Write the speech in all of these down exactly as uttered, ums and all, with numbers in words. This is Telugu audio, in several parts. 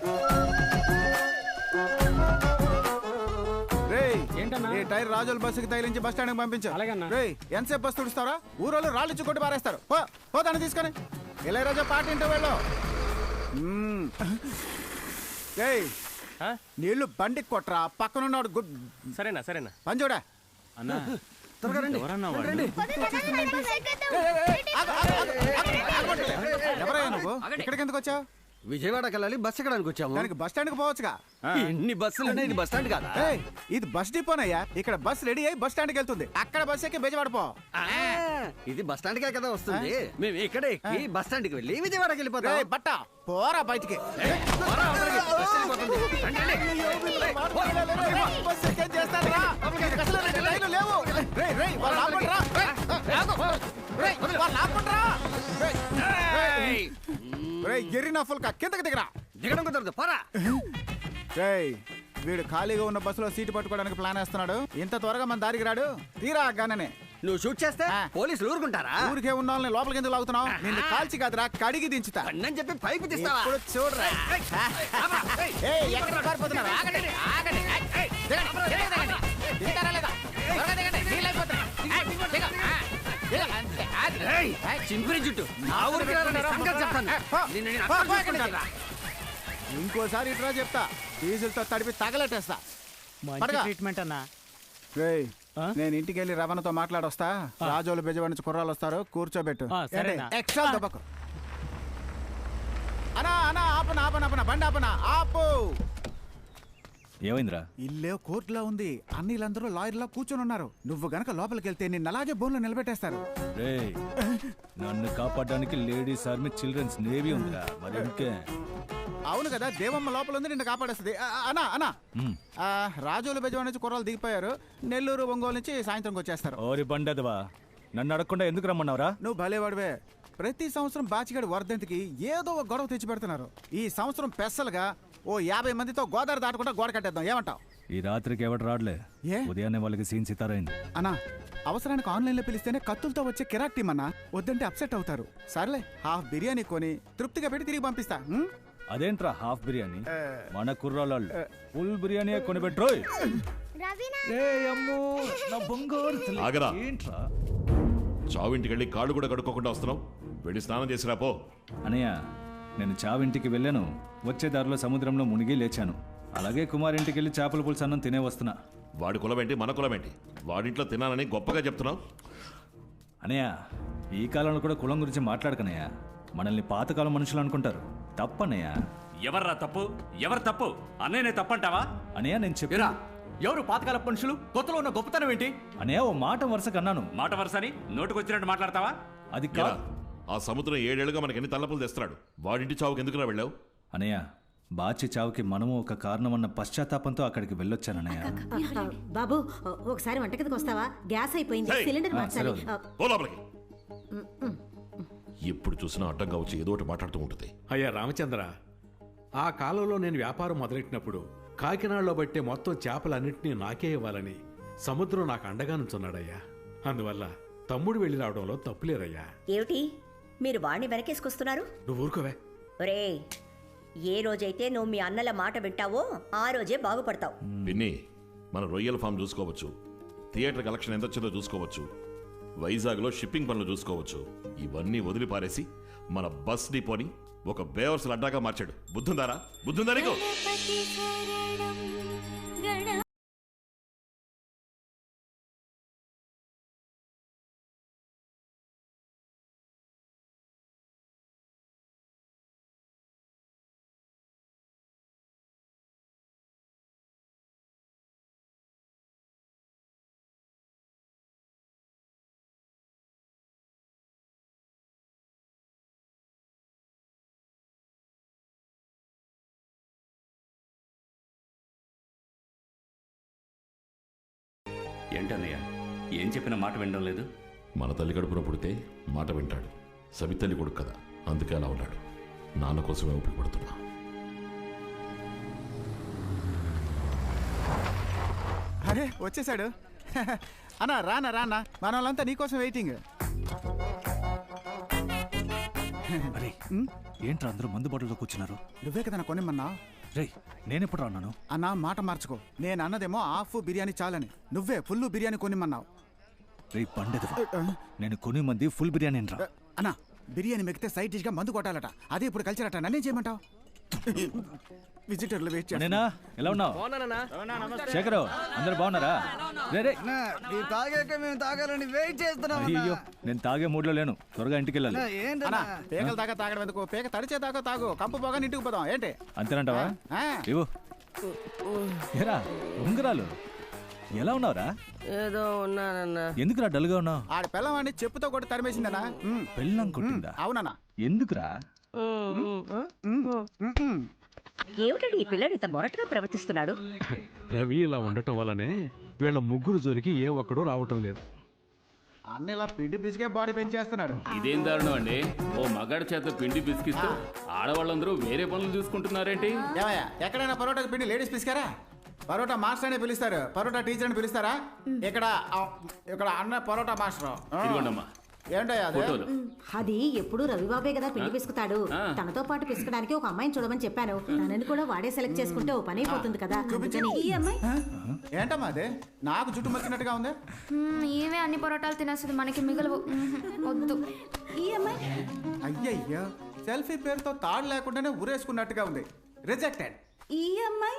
టైర్ రాజుల బస్సుకి తగిలించి బస్ స్టాండ్ పంపించు. రేయ్ ఎంతసేపు బస్సు తుడుస్తారా? ఊరోళ్ళు రాళ్ళు కొట్టి పారేస్తారు. పోతాను తీసుకొని ఇళయరాజా పాట ఇంటూ వెళ్ళు. రేయ్ నీళ్లు బండికి కొట్రా, పక్కనున్నాడు. గుడ్ సరేనా సరేనా పని చూడా అన్నా. ఎవరయ్యా నువ్వు? ఇక్కడికి ఎందుకు వచ్చావు? విజయవాడకి వెళ్ళాలి, బస్ ఎక్కడానికి వచ్చాము. దానికి బస్ స్టాండ్ కి పోవచ్చుగా. ఎన్ని బస్సులు ఉన్నాయి, ఇది బస్ స్టాండ్ కాదా? ఇది బస్ డిపోనయ్యా. ఇక్కడ బస్ రెడీ అయ్యి బస్ స్టాండ్ కి వెళ్తుంది. అక్కడ బస్ ఎక్కి విజయవాడ పో. ఇది బస్ స్టాండ్ కే కదా వస్తుంది. మేము ఇక్కడ ఎక్కి బస్ స్టాండ్ కి వెళ్ళి విజయవాడకి వెళ్ళిపోతాం. బట్ట పోరా బయటికి. కిందకి దిగరా. దిగడం కుదరదు, పోరా. వీడు ఖాళీగా ఉన్న బస్సులో సీటు పట్టుకోవడానికి ప్లాన్ వేస్తున్నాడు. ఇంత త్వరగా మన దారికి రాడు. తీరా గానే నువ్వు షూట్ చేస్తే పోలీసులు ఊరుకుంటారా? ఊరికే ఉన్న వాళ్ళని లోపలికి ఎందుకు లాగుతున్నావు? నిన్ను కాల్చి కాదురా కడిగి దించుతా అని చెప్పి పైపు తీస్తావా? చూడరా చింపిరి జుట్టు ఇంకోసారి ఇట్రా చెప్తా. డీజిల్తో తడిపి తగలెట్టేస్తా. ట్రీట్మెంట్ అన్నా. నేను ఇంటికి వెళ్ళి రవణతో మాట్లాడొస్తా. రాజోలు బెజవాడ నుంచి కుర్రాలు వస్తారు, కూర్చోబెట్టు. ఎక్స్ట్రా దెబ్బకు. అనా అనా ఆపన ఆపన ఆపన బండి ఆపన ఆపు. ఏమైందిరా? ఇల్లే కోర్టులా ఉంది. అన్నిలందరూ లాయర్లా కూర్చొని ఉన్నారు. నువ్వు గనక లోపలికి వెళ్తే నిన్ను అలాగే బోన్లో నిలబెట్టేస్తారు. నన్ను కాపాడడానికి లేడీస్ ఆర్మీ చిల్డ్రన్స్ నేవీ ఉందిరా. మరి ఇంకే. అవును కదా, దేవమ్మ లోపల ఉంది, నిన్ను కాపాడేస్తుంది. అనా అనా రాజోలు బెజవాడ నుంచి కుర్రాలు దిగిపోయారు. నెల్లూరు ఒంగోలు నుంచి సాయంత్రం వచ్చేస్తారు. ఓరి బండదవా, నన్ను అడగకుండా ఎందుకు రమ్మన్నావురా? నువ్వు భలేవాడివే. ప్రతి సంవత్సరం బాచిగడి వర్ధంతికి ఏదో ఒక గొడవ తెచ్చి పెడుతున్నారు. ఈ సంవత్సరం పెసలుగా ఓ యాభై మందితో గోదావరి దాటకుండా గోడ కట్టేద్దాం. ఏమంటావు? ఈ రాత్రికి ఎవడు రాడలే. ఉదయాన్నే వాళ్ళకి సీన్ సితారైంది. అన్నా అవసరానికి ఆన్లైన్ లో పిలిస్తేనే కత్తులతో వచ్చే కిరాక్ టీం అన్నా. వద్దంటే అప్సెట్ అవుతారు. సర్లే హాఫ్ బిర్యానీ కొని తృప్తిగా పెట్టి తిరిగి పంపిస్తా. అదేంట్రా హాఫ్ బిర్యానీ? మన కుర్రాళ్ళు ఫుల్ బిర్యానీ కొనిపెట్రోయ్. చావింటికి వెళ్ళి కాళ్ళు కూడా కడుక్కోకుండా వస్తున్నావు. వెళ్ళి స్నానం చేసిరా పో. అనయ్య, నేను చావింటికి వెళ్ళాను. వచ్చే దారిలో సముద్రంలో మునిగి లేచాను. అలాగే కుమారింటికి వెళ్ళి చేపల పులుసు అన్నం తినే వస్తున్నా. వాడి కులమేంటి మన కులమేంటి? వాడింట్లో తినాలని గొప్పగా చెప్తున్నావు. అనయ్య, ఈ కాలంలో కూడా కులం గురించి మాట్లాడకనయ్యా. మనల్ని పాతకాలం మనుషులు అనుకుంటారు. తప్పనయ్యా. ఎవర్రా తప్పు? ఎవరు తప్పు? అన్నయ్యనే తప్పంటావా? అనయ్య నేను చెప్పిరా. ఎవరు పాతకాల మనుషులు? కొత్తలో ఉన్న గొప్పతనం ఏంటి? అనయ్య ఓ మాట వరుస కన్నాను. మాట వరుసని నోటుకొచ్చినట్టు మాట్లాడతావా? అది కాదు. ఆ సముద్రం ఏడేళ్లుగా మనకి ఎన్ని తలపులు తెస్తున్నాడు. వాడింటి చావుకి ఎందుకురా వెళ్ళావు? అనయ్య, బాచి చావుకి మనము ఒక కారణం అన్న పశ్చాత్తాపంతో అక్కడికి వెళ్ళొచ్చానన్నయ్య. బాబు ఒకసారి వంటగదికి వస్తావా? గ్యాస్ అయిపోయింది, సిలిండర్ మార్చాలి. ఎప్పుడు చూసినా అడ్డంగా వచ్చి ఏదో ఒకటి మాట్లాడుతూ ఉంటుంది. అయ్యా రామచంద్ర, ఆ కాలంలో నేను వ్యాపారం మొదలెట్టినప్పుడు కాకినాడలో బట్టే మొత్తం చేపలన్నింటినీ నాకే ఇవ్వాలని సముద్రం నాకు అండగా నుంచున్నాడయ్యా. అందువల్ల తమ్ముడు వెళ్ళి రావడంలో తప్పులేరయ్యా. ఏమిటి మీరు వాణ్ణి వెనకేసుకొస్తున్నారు? నువ్వు ఊరుకోవే. ఒరే, ఏ రోజైతే నువ్వు మీ అన్నల మాట వింటావో ఆ రోజే బాగుపడతావు. పిన్ని, మన రొయ్యల ఫామ్ చూసుకోవచ్చు, థియేటర్ కలెక్షన్ ఎంత వచ్చిందో చూసుకోవచ్చు, వైజాగ్లో షిప్పింగ్ పనులు చూసుకోవచ్చు. ఇవన్నీ వదిలి పారేసి మన బస్ డిపోని ఒక బేవర్స్ అడ్డాగా మార్చాడు. బుద్ధుందారా? బుద్ధుందా నీకు? ఏంటన్నయ్య, ఏం చెప్పినా మాట వినడం లేదు? మన తల్లి కడుపున పుడితే మాట వింటాడు. సవితల్లి కొడుకు కదా, అందుకే అలా ఉన్నాడు. నాన్న కోసమే ఉపయోగపడుతున్నా. అరే వచ్చేసాడు. అన్నా రానా రానా, మన వాళ్ళంతా నీకోసం వెయిటింగ్. అరే ఏంట్రా అందరూ మందు బాటలతో కూర్చున్నారు? నువ్వే కదా నా కొనిమ్మన్నా. రే నేనెప్పుడు రాన్నాను? అన్నా మాట మార్చుకో. నేను అన్నదేమో హాఫ్ బిర్యానీ చాలని, నువ్వే ఫుల్ బిర్యానీ కొనిమ్మన్నావు. రే పండేది నేను కొని మంది ఫుల్ బిర్యానీ రా. అన్నా బిర్యానీ మెక్కితే సైడ్ డిష్ గా మందు కొట్టాలట, అదే ఇప్పుడు కల్చర్ అట. నన్నేం చేయమంటావు? విజిటర్లు వెయిట్ నేనా ఎలా ఉన్నావు? శేఖరు అందరు బాగున్నారా? రే రే తాగాక మేము తాగాలని వెయిట్ చేస్తున్నాం. అయ్యో నేను తాగే మూడ్లో లేను, త్వరగా ఇంటికి వెళ్ళాలి. అన్నా పేకలు దాకా తాగడం ఎందుకు? పేక తడిచే దాకా తాగు, కంపు పోగా ఇంటికి పోదాం. ఏంటి అంతేనంటావా? ఆ. ఇవ్వు. ఏరా ఉంగరాలు ఎలా ఉన్నావురా? ఏదో ఉన్నానన్నా. ఎందుకురా డల్గా ఉన్నావు? ఆడ పిల్లవాడిని చెప్పుతో కొట్టి తరిమేసిందనా? ఉమ్. పెళ్ళం కొట్టిందా? అవునన్నా. ఎందుకురా? ఏమిటండి ఈ పిల్లడు ఇంత మొరటుగా ప్రవర్తిస్తున్నాడు? రవి ఇలా ఉండటం వల్లనే వీళ్ళ ముగ్గురు జోలికి ఏ ఒక్కడూ రావటం లేదు. అన్న ఇలా పిండి పిసికే బాడీ పెంచేస్తున్నాడు. ఇదేం దారుణం అండి? ఓ మగాడి చేత పిండి పిసికిస్తూ ఆడవాళ్ళందరూ వేరే పనులు చూసుకుంటున్నారేంటి? ఏమయ్యా ఎక్కడైనా పరోటా పిండి లేడీస్ పిసికారా? పరోటా మాస్టర్ అని పిలుస్తారు, పరోటా టీచర్ అని పిలుస్తారా? ఇక్కడ ఆ, ఇక్కడ అన్న పరోటా మాస్టర్. ఇదిగోండమ్మా ఏంటయ్యా అది? ఫోటోలు. అది ఎప్పుడు రవిబాబే కదా పిండి పిసుకుతాడు. తనతో పాటు పిసుకడానికి ఒక అమ్మాయిని చూడమని చెప్పాను. తనని కూడా వాడే సెలెక్ట్ చేసుకుంటే ఓ పని అయిపోతుంది కదా. అందుకని ఈ అమ్మాయి ఆ? ఏంటమ్మా అదే? నాకు జుట్టు మచ్చినట్టుగా ఉంది. ఏమే అన్ని పొరోటాలు తినేస్తుంది, మనకి మిగలవు. వద్దు. ఈ అమ్మాయి అయ్యయ్యో సెల్ఫీ పేరుతో తాడు లేకుండానే ఊరేసుకున్నట్టుగా ఉంది. రిజెక్టెడ్. ఈ అమ్మాయి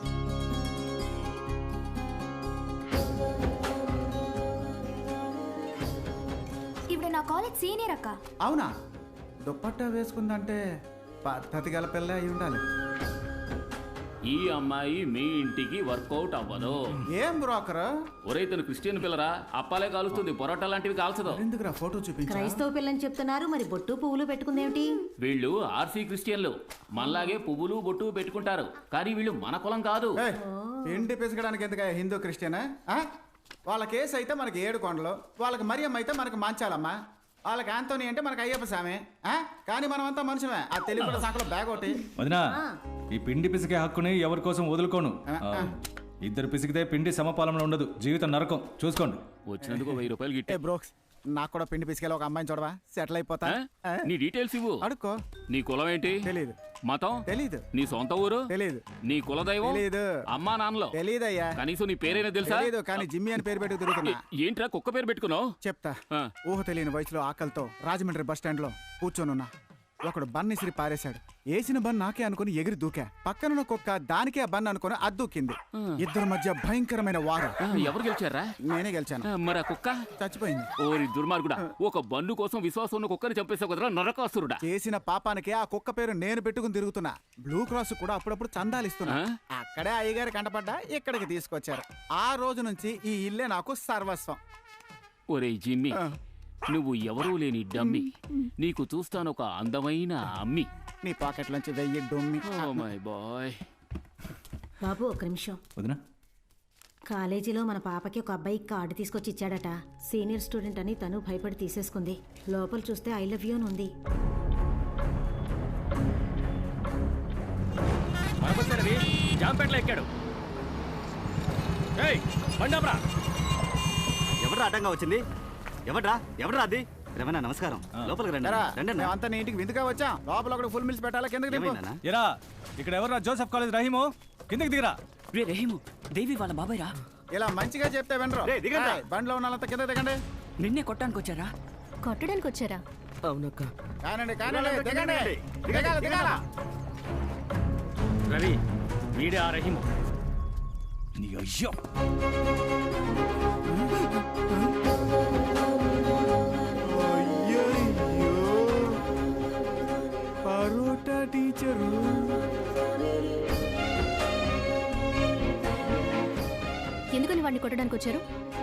ఇప్పుడు నా కాలేజ్ సీనియర్ అక్క. అవునా? దుప్పట్టా వేసుకుందంటే పద్ధతి గల పిల్ల అయి ఉండాలి. ఈ అమ్మాయి మీ ఇంటికి వర్కౌట్ అవ్వదు. ఏం బ్రోకర్? ఒరే తను క్రిస్టియన్ పిల్లరా, అప్పాలే కాలుస్తుంది, పొరోటా లాంటివి కాల్చదు. ఎందుకురా ఫోటో చూపించా? క్రైస్తవ పిల్లని చెప్తున్నారు, మరి బొట్టు పువ్వులు పెట్టుకుందేమిటి? వీళ్ళు ఆర్సీ క్రిస్టియన్లు, మనలాగే పువ్వులు బొట్టు పెట్టుకుంటారు, కానీ వీళ్ళు మన కులం కాదు. ఏయ్, పిండి పిసకడానికి ఎందుక హిందూ క్రిస్టియనా? ఆ? వాళ్ళ కేసు అయితే మనకి ఏడు కొండలు, వాళ్ళకి మరియమ్మ అయితే మనకి మంచాలమ్మ, వాళ్ళకి ఆంతోని అంటే మనకి అయ్యప్ప స్వామి. ఆ? కానీ మనం అంతా మనుషులమే. ఆ తెలుగు సంకలో బ్యాగ్ ఒకటి. వదినా ఈ పిండి పిసికే హక్కుని ఎవరి కోసం వదులుకోను. ఆ, ఇద్దరు పిసికితే పిండి సమపాలనలో ఉండదు, జీవితం నరకం. చూసుకోండి. వచ్చినందుకు వెయ్యి రూపాయలు ఏ గిట్టే. బ్రోక్స్, నాకు కూడా పిండి పిసికేలా ఒక అమ్మాయిని చూడవా? సెటిల్ అయిపోతా. ఆ? నీ డీటెయిల్స్ ఇవ్వు. అడుక్కో. నీ కులం ఏంటి? తెలీదు. మతం తెలీదు. నీ సొంత ఊరు? తెలీదు. నీ కులదైవం? తెలీదు. అమ్మా నాన్నలో? తెలీదయ్యా. కనీసం నీ పేరైనా తెలుసా? తెలీదు, కానీ జిమ్మి అని పేరు పెట్టుకు తిరుగుతున్నా. ఏ- ఏంట్రా కుక్క పేరు పెట్టుకున్నావు? చెప్తా. ఆ. ఊహ తెలియని వయసులో ఆకలితో రాజమండ్రి బస్ స్టాండ్ లో కూర్చొనున్నా. ఒకడు బన్ ఇసిరి పారేశాడు. వేసిన బన్ నాకే అనుకుని ఎగిరి దూకా. పక్కనున్న కుక్క దానికే ఆ బన్ అనుకుని అద్దూకింది. ఇద్దరి మధ్య భయంకరమైన వారు. ఆ, ఎవరు గెలిచారా? నేనే గెలిచాను. ఆ, మరి ఆ కుక్క చచ్చిపోయింది. ఓరి దుర్మార్గుడా, ఒక బన్ను కోసం విశ్వాసం ఉన్న కుక్కని చంపేసావు కదరా నరకాసురుడా. చేసిన పాపానికి ఆ కుక్క పేరు నేను పెట్టుకుని తిరుగుతున్నా. బ్లూ క్రాస్ కూడా అప్పుడప్పుడు చందాలు ఇస్తున్నా. ఆ? అక్కడే అయ్యగారు కంటపడ్డా, ఇక్కడికి తీసుకొచ్చారు. ఆ రోజు నుంచి ఈ ఇల్లే నాకు సర్వస్వం. ఒరే జిమ్మి, నువ్వు ఎవరూ లేని డమ్మి, నీకు చూస్తాను ఒక అందమైన అమ్మి. నీ పాకెట్ నుంచి వెయ్యి డొమ్మి. Oh my boy. బాబు ఒక నిమిషం. వదినా కాలేజీలో మన పాపకి ఒక అబ్బాయి కార్డు తీసుకొచ్చి ఇచ్చాడట. సీనియర్ స్టూడెంట్ అని తను భయపడి తీసేసుకుంది. లోపల చూస్తే ఐ లవ్ యూ అని ఉంది. జాంపేటలో ఎక్కాడు. ఎవడ్రా అడ్డంగా వచ్చింది? ఎవడ్రా ఎవడ్రా అది? రమణ నమస్కారం. లోపలికి రండి. ఎరా, రండి అన్న. మేమంతా నీ ఇంటికి విందుగా వచ్చా. లోపల ఒకటి ఫుల్ మిల్స్ పెట్టాలా? కిందకి దింపు. ఏమైందన్నా? ఎరా ఇక్కడ ఎవరు? జోసెఫ్ కాలేజ్ రహీము, కిందకి దిగరా. రే రహీము, దేవి వాళ్ళ బాబాయ్ రా. ఇలా మంచిగా చెప్తే వినరు. రేయ్, దిగండి. ఏయ్, బండిలో ఉన్న వాళ్ళంతా కింద దిగండి. నిన్నే కొట్టడానికి వచ్చారా? కొట్టడానికి వచ్చారా? అవునక్క. కానండి కానండి దిగండి, దిగండి. దిగండి. దిగాల దిగాల. రవి, వీడే ఆ రహీము. నీ అయ్యో అయ్యయ్యో, పరోటా టీచరు. ఎందుకని వాడిని కొట్టడానికి వచ్చారు?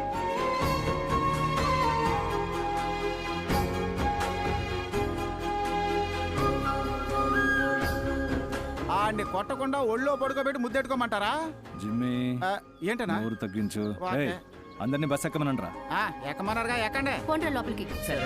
ఆడిని కొట్టకుండా ఒళ్ళో పడుకోబెట్టి ముద్దెట్టుకోమంటారా? జిమ్మి ఆ, ఏంటనా? ఊరు తగ్గించు. వాకే. ఏయ్, అందరినీ బస్ ఎక్కమనండ్రా. ఆ, ఎక్కమన్నారుగా, ఎక్కండి. పోండ్రా లోపలికి.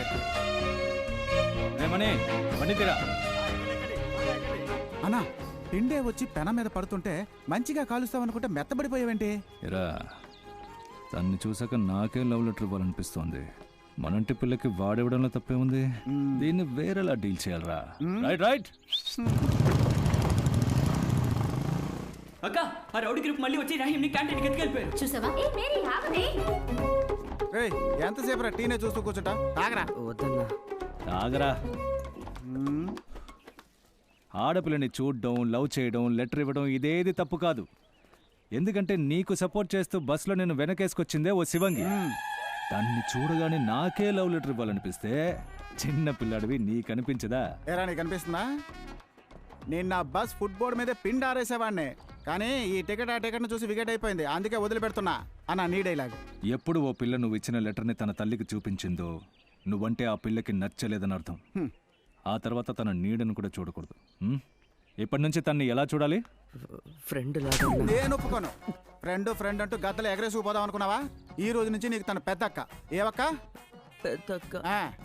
రేమని బండి తీరా. అన్నా, పిండే వచ్చి పెన మీద పడుతుంటే మంచిగా కాలుస్తావనుకుంటే మెత్తబడిపోయావేంటి? ఎరా తన్ని చూసాక నాకే లవ్ లెటర్ ఇవ్వాలనిపిస్తోంది. మనంటి పిల్లకి వాడివ్వడంలో తప్పే ఉంది. దీన్ని వేరేలా డీల్ చేయాలరా. రైట్ రైట్ అక్క ఆ రౌడీ గ్రూప్ మళ్ళీ వచ్చి రహీంని క్యాంటీన్కి ఎత్తుకెళ్ళిపోయారు. చూసావా ఏ మేరీ ఆగనే రేయ్ ఎంతసేపు రా టీనే చూస్తూ కూర్చుంటా తాగరా. వద్దన్నా. ఆగరా. ఆడపిల్లని చూడడం, లవ్ చేయడం, లెటర్ ఇవ్వడం ఇదేది తప్పు కాదు. ఎందుకంటే నీకు సపోర్ట్ చేస్తూ బస్సులో నేను వెనకేసుకొచ్చిందే ఓ శివంగి. దాన్ని చూడగానే నాకే లవ్ లెటర్ ఇవ్వాలనిపిస్తే చిన్న పిల్లాడివి నీకనిపించదా? ఏరా నీకు కనిపిస్తుందా? నేను నా బస్ ఫుట్ బోర్డు మీదే పిండి ఆరేసేవాడిని, కానీ ఈ టికెట్ ఆ టికెట్ను చూసి వికెట్ అయిపోయింది, అందుకే వదిలిపెడుతున్నా అన్న నీ డైలాగ్. ఎప్పుడు ఓ పిల్ల నువ్వు ఇచ్చిన లెటర్ని తన తల్లికి చూపించిందో నువ్వంటే ఆ పిల్లకి నచ్చలేదని అర్థం. ఆ తర్వాత తన నీడను కూడా చూడకూడదు. హ్మ్? ఇప్పటి నుంచి తన్ని ఎలా చూడాలి? ఫ్రెండ్ లాగా. నేను ఒప్పుకోను. ఫ్రెండ్ ఫ్రెండ్ అంటూ గద్దలు ఎగరేసుకుపోదాం అనుకున్నావా? ఈ రోజు నుంచి నీకు తన పెద్దక్క. ఏవక్క? పెద్దక్క. ఆ